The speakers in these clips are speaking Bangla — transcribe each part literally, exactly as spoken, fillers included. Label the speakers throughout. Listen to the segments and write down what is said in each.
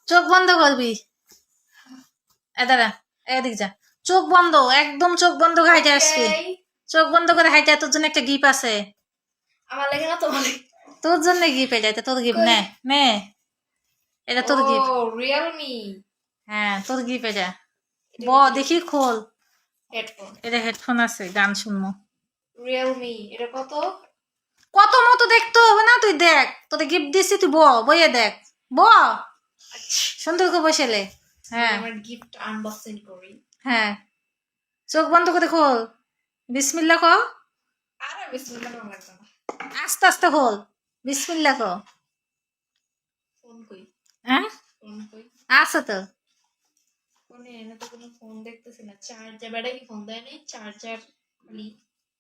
Speaker 1: চোখ বন্ধ করবি। এ দাঁড়া, এদিক যা। চোখ বন্ধ, একদম চোখ বন্ধ করে হাইটে আসবি। চোখ বন্ধ করে হাইটে, তোর জন্য একটা গিফট আছে।
Speaker 2: আমার লাগে না তোমার লাগে।
Speaker 1: তোর জন্য গিফট, এটা তোর গিফট। নে নে, এটা তোর গিফট।
Speaker 2: ও রিয়েলমি।
Speaker 1: হ্যাঁ তোর গিফট এটা। ব দেখি খোল।
Speaker 2: হেডফোন।
Speaker 1: এটা হেডফোন আছে, গান শুনবো।
Speaker 2: রিয়েলমি, এটা কত?
Speaker 1: কত মতো দেখতে হবে না, তুই দেখ। তোকে গিফট দিছি, তুই ব বইয়ে দেখ। ব সুন্দর করে বসেলে। হ্যাঁ
Speaker 2: আমার গিফট আনবক্সিং করি।
Speaker 1: হ্যাঁ, চোখ বন্ধ করে খোল। বিসমিল্লা ক।
Speaker 2: আরে বিসমিল্লাহ নাম লাগবে না।
Speaker 1: আস্তে আস্তে খোল। বিসমিল্লা ক।
Speaker 2: ফোন কই?
Speaker 1: হ্যাঁ
Speaker 2: ফোন কই?
Speaker 1: আছে তো।
Speaker 2: ফোনে এনে তো কোনো ফোন দেখতেছি না। চার্জার, ব্যাটা কি ফোন দেয় নাই? চার্জার খালি।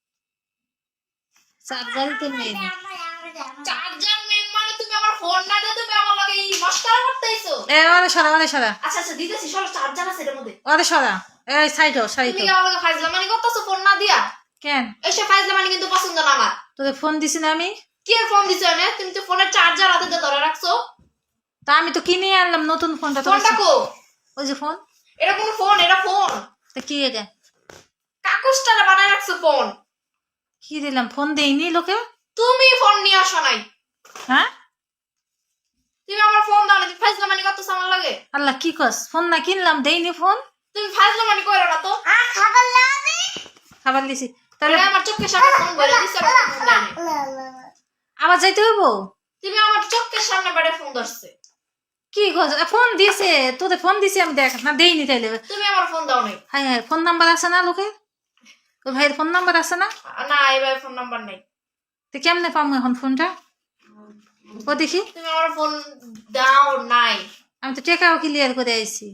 Speaker 1: চার্জারই তো মেন।
Speaker 2: চার্জার মেন মানে তুমি আমার ফোন না দিয়ে তুমি আমার লাগে এই মশকরা করতেইছো।
Speaker 1: এ ওরে সরা, ওরে সরা,
Speaker 2: আচ্ছা আচ্ছা দিতেছি, সব চার্জার আছে এর মধ্যে।
Speaker 1: ওরে সরা। এই সাইড হ, সাইড
Speaker 2: তুমি
Speaker 1: হ।
Speaker 2: কি আমার লাগে ফাইজলামানি করতেছো ফোন না দিয়া?
Speaker 1: কেন
Speaker 2: এইসব ফাইজলামানি কিন্তু পছন্দ না আমার।
Speaker 1: তোদের ফোন দিছি না আমি?
Speaker 2: কি এর ফোন দিছো এনে? তুমি তো ফোনের চার্জার হাতে দিয়ে ধরে রাখছো।
Speaker 1: তা আমি তো কিনে আনলাম নতুন ফোনটা। তো
Speaker 2: ফোনটা কো?
Speaker 1: ওই যে ফোন।
Speaker 2: এটা কোন ফোন? এটা ফোন।
Speaker 1: তা কি এটা?
Speaker 2: কাগজটা বানায় রাখছো ফোন।
Speaker 1: কি দিলাম? ফোন দেইনি লোকে।
Speaker 2: তুমি ফোন নিয়ে আসো নাই।
Speaker 1: হ্যাঁ
Speaker 2: তুমি আমার ফোন দাও না, তুমি ফাইজলামানি করতেছো আমার লাগে।
Speaker 1: আল্লাহ কি কস? ফোন না কিনলাম, দেইনি ফোন।
Speaker 2: তুমি ফাইজলামানি কইরো না তো।
Speaker 1: খাবার দিছি তাহলে।
Speaker 2: তাহলে আমার চোখের সামনে ফোন বলে দিছো, আমার ফোন দেয় নাই।
Speaker 1: আবার যাইতে হইব?
Speaker 2: তুমি আমার চোখের সামনে বেড়ে ফোন ধরছে।
Speaker 1: কি কস? ফোন দিছে তোদের, ফোন দিছি আমি, দেখ না দেইনি তাইলে।
Speaker 2: তুমি আমার ফোন দাও নাই।
Speaker 1: হাই হাই, ফোন নাম্বার আছে না লোকে? ওই ভাইয়ের ফোন নাম্বার আছে না?
Speaker 2: না এবার ফোন নাম্বার নাই।
Speaker 1: তো কেমনে পাবো এখন ফোনটা? ও দেখি।
Speaker 2: তুমি আমার ফোন দাও নাই।
Speaker 1: আমি তো টাকাও ক্লিয়ার করে আইছি।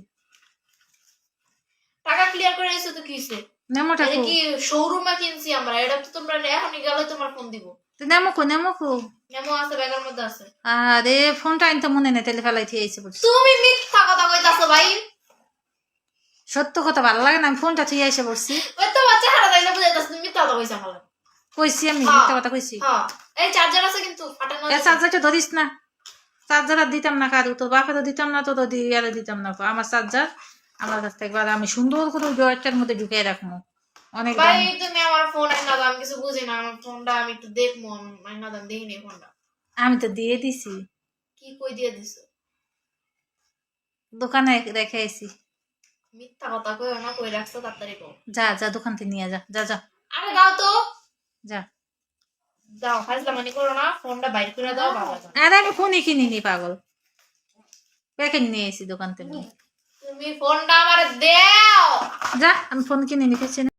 Speaker 2: টাকা ক্লিয়ার করে এসে তো কি হইছে?
Speaker 1: নেমোটা
Speaker 2: এটা
Speaker 1: কো।
Speaker 2: কি শোরুমে কিনছি আমরা? এটা তো তোমরা এখনই গেলে তোমার ফোন দিব।
Speaker 1: তো নেমো কো, নেমো কো।
Speaker 2: মেমো আছে, ব্যাগের মধ্যে আছে।
Speaker 1: আরে ফোনটা আনতে মনে নেই, তাহলে ফেলাই থিয়ে আইছে বলছি।
Speaker 2: তুমি মিথ্যা কথা কইতাছো ভাই।
Speaker 1: সত্য কথা ভালো লাগে না, আমি ফোনটা থিয়ে আইসে বলছি।
Speaker 2: ওই তো বাচ্চা হারা তাইলে বুঝাইতাছ তুমি মিথ্যা কথা কইছ আমার।
Speaker 1: কইছি আমি,
Speaker 2: হ্যাঁ।
Speaker 1: মিথ্যা কথা কইছি।
Speaker 2: হ্যাঁ এই চার্জার আছে কিন্তু ফাটানো
Speaker 1: এ
Speaker 2: আছে।
Speaker 1: চার্জারটা ধরিস না। চার্জার আর দিতাম না কারু, তোর বাপেরও দিতাম না, তোর ইয়ারে দিতাম না। আমার চার্জার আমার কাছ থেকে এবার আমি সুন্দর করে ওই ড্রয়ারটার মধ্যে ঢুকিয়ে রাখবো। অনেক
Speaker 2: ভাই
Speaker 1: দামি।
Speaker 2: তুমি আমার ফোন না দাম কিছু বুঝি না। আমার ফোনটা আমি একটু দেখবো। আমি না দাম দেখিনি ফোনটা।
Speaker 1: আমি তো দিয়ে দিছি,
Speaker 2: কি কই দিয়ে দিছো?
Speaker 1: দোকানে রেখে আইছি।
Speaker 2: মিথ্যা কথা কইও না, কই রাখছো তাড়াতাড়ি কও।
Speaker 1: যা যা, দোকান থেকে নিয়ে যা, যা যা
Speaker 2: আরে দাও তো।
Speaker 1: যা।
Speaker 2: দাও, ফাজলামানি করো না, ফোনটা বাইর করে দাও বাবা জান।
Speaker 1: আরে আমি ফোনই কিনিনি পাগল, প্যাকেট নিয়ে এসি দোকান থেকে।
Speaker 2: তুমি ফোনটা আমারে দাও।
Speaker 1: যা, আমি ফোন কিনে নিতেছি না।